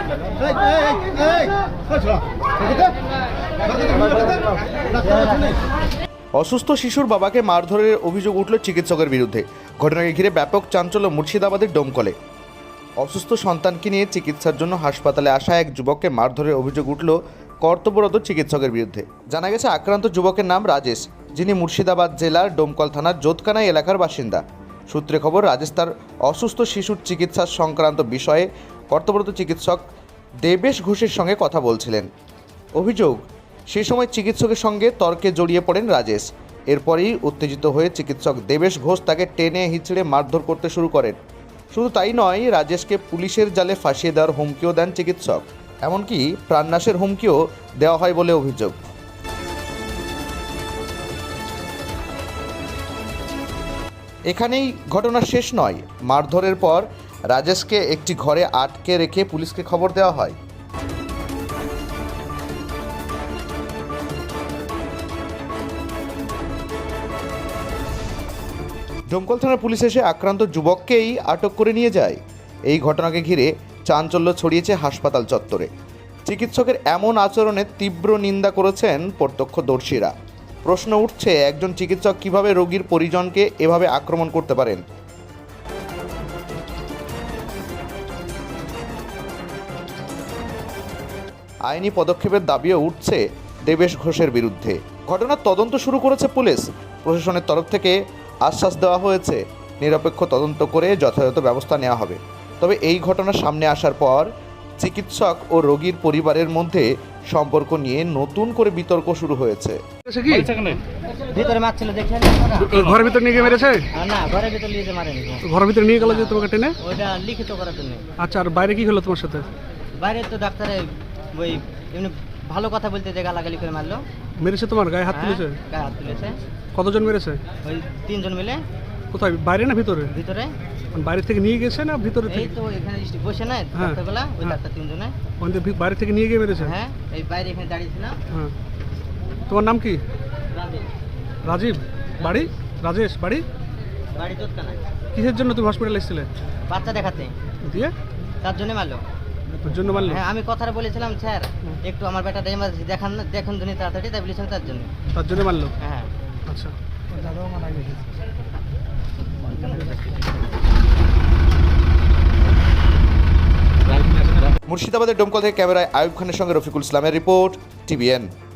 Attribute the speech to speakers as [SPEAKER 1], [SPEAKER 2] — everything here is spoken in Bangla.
[SPEAKER 1] অসুস্থ শিশুর বাবাকে মারধরের অভিযোগ উঠল চিকিৎসকের বিরুদ্ধে। ঘটনাকে ঘিরে ব্যাপক চাঞ্চল্য মুর্শিদাবাদের ডোমকলে। অসুস্থ সন্তানকে নিয়ে চিকিৎসার জন্য হাসপাতালে আসা এক যুবককে মারধরের অভিযোগ উঠল কর্তব্যরত চিকিৎসকের বিরুদ্ধে। জানা গেছে আক্রান্ত যুবকের নাম রাজেশ, যিনি মুর্শিদাবাদ জেলার ডোমকল থানার জোতকানাই এলাকার বাসিন্দা। সূত্রে খবর, রাজেশ তার অসুস্থ শিশুর চিকিৎসা সংক্রান্ত বিষয়ে কর্তব্যরত চিকিৎসক দেবেশ ঘোষের সঙ্গে কথা বলছিলেন। অভিযোগ, সেই সময় চিকিৎসকের সঙ্গে তর্কে জড়িয়ে পড়েন রাজেশ। এরপরই উত্তেজিত হয়ে চিকিৎসক দেবেশ ঘোষ তাকে টেনে হিঁচড়ে মারধর করতে শুরু করেন। শুধু তাই নয়, রাজেশকে পুলিশের জালে ফাঁসিয়ে দেওয়ার হুমকিও দেন চিকিৎসক। এমনকি প্রাণনাশের হুমকিও দেওয়া হয় বলে অভিযোগ। এখানেই ঘটনা শেষ নয়। মারধরের পর রাজেশকে একটি ঘরে আটকে রেখে পুলিশকে খবর দেওয়া হয়। ডোমকল থানার পুলিশ এসে আক্রান্ত যুবককেই আটক করে নিয়ে যায়। এই ঘটনাকে ঘিরে চাঞ্চল্য ছড়িয়েছে হাসপাতাল চত্বরে। চিকিৎসকের এমন আচরণের তীব্র নিন্দা করেছেন প্রত্যক্ষদর্শীরা। প্রশ্ন উঠছে, একজন চিকিৎসক কিভাবে রোগীর পরিজনকে এভাবে আক্রমণ করতে পারেন? আইনি পদক্ষেপের দাবিও উঠছে দেবেশ ঘোষের বিরুদ্ধে। ঘটনার তদন্ত শুরু করেছে পুলিশ। প্রশাসনের তরফ থেকে আশ্বাস দেওয়া হয়েছে, নিরপেক্ষ তদন্ত করে যথাযথ ব্যবস্থা নেওয়া হবে। তবে এই ঘটনা সামনে আসার পর চিকিৎসক ও রোগীর পরিবারের মধ্যে সম্পর্ক নিয়ে নতুন করে বিতর্ক শুরু হয়েছে।
[SPEAKER 2] ভিতরে মারছিল দেখলেন,
[SPEAKER 3] ঘরের ভিতর নিয়ে গিয়ে মেরেছে?
[SPEAKER 2] না, ঘরের ভিতর নিয়ে যে মারেনি।
[SPEAKER 3] ঘরের ভিতরে নিয়ে গেল যে তোমাকে টেনে?
[SPEAKER 2] ওইটা লিখিত করার জন্য।
[SPEAKER 3] আচ্ছা, আর বাইরে কি হলো তোমার সাথে?
[SPEAKER 2] বাইরে তো ডাক্তারে ওই এমনি ভালো কথা বলতে যে গালাগালি করে মারলো।
[SPEAKER 3] মেরেছে তোমার গায়ে হাত তুলেছে?
[SPEAKER 2] গায়ে হাত তুলেছে।
[SPEAKER 3] কতজন মেরেছে?
[SPEAKER 2] ওই 3 জন মিলে।
[SPEAKER 3] কোথায়, বাইরে না ভিতরে?
[SPEAKER 2] ভিতরে।
[SPEAKER 3] বাইরে থেকে নিয়ে গেছে না ভিতরে থেকে?
[SPEAKER 2] এই তো এখানে বসে নাই ডাক্তারবেলা, ওই ডাক্তার 3 জনে।
[SPEAKER 3] বাইরে থেকে নিয়ে গিয়ে মেরেছে?
[SPEAKER 2] হ্যাঁ, এই বাইরে এখানে দাঁড়িয়ে ছিলাম।
[SPEAKER 3] হ্যাঁ। তোমার নাম কি?
[SPEAKER 2] রাজীব।
[SPEAKER 3] রাজীব? বাড়ি? রাজেশ বাড়ি?
[SPEAKER 2] বাড়ি জোতকানাই।
[SPEAKER 3] কিসের জন্য তুমি হসপিটালে এসেছিলে?
[SPEAKER 2] বাচ্চা দেখাতে।
[SPEAKER 3] দিয়ে?
[SPEAKER 2] তার জন্য মারলো।
[SPEAKER 3] ওর জন্য মারলো?
[SPEAKER 2] হ্যাঁ, আমি কথাটা বলেছিলাম, স্যার একটু আমার বেটাটা এমার্জেন্সি দেখান না, দেখুন জন্য তাড়াতাড়ি, তাই বলেছিলাম তার জন্য।
[SPEAKER 3] তার জন্য মারলো?
[SPEAKER 2] হ্যাঁ।
[SPEAKER 3] আচ্ছা।
[SPEAKER 1] মুর্শিদাবাদের ডোমকল থেকে ক্যামেরায় আয়ুব খানের সঙ্গে রফিকুল ইসলামের রিপোর্ট, টিভিএন।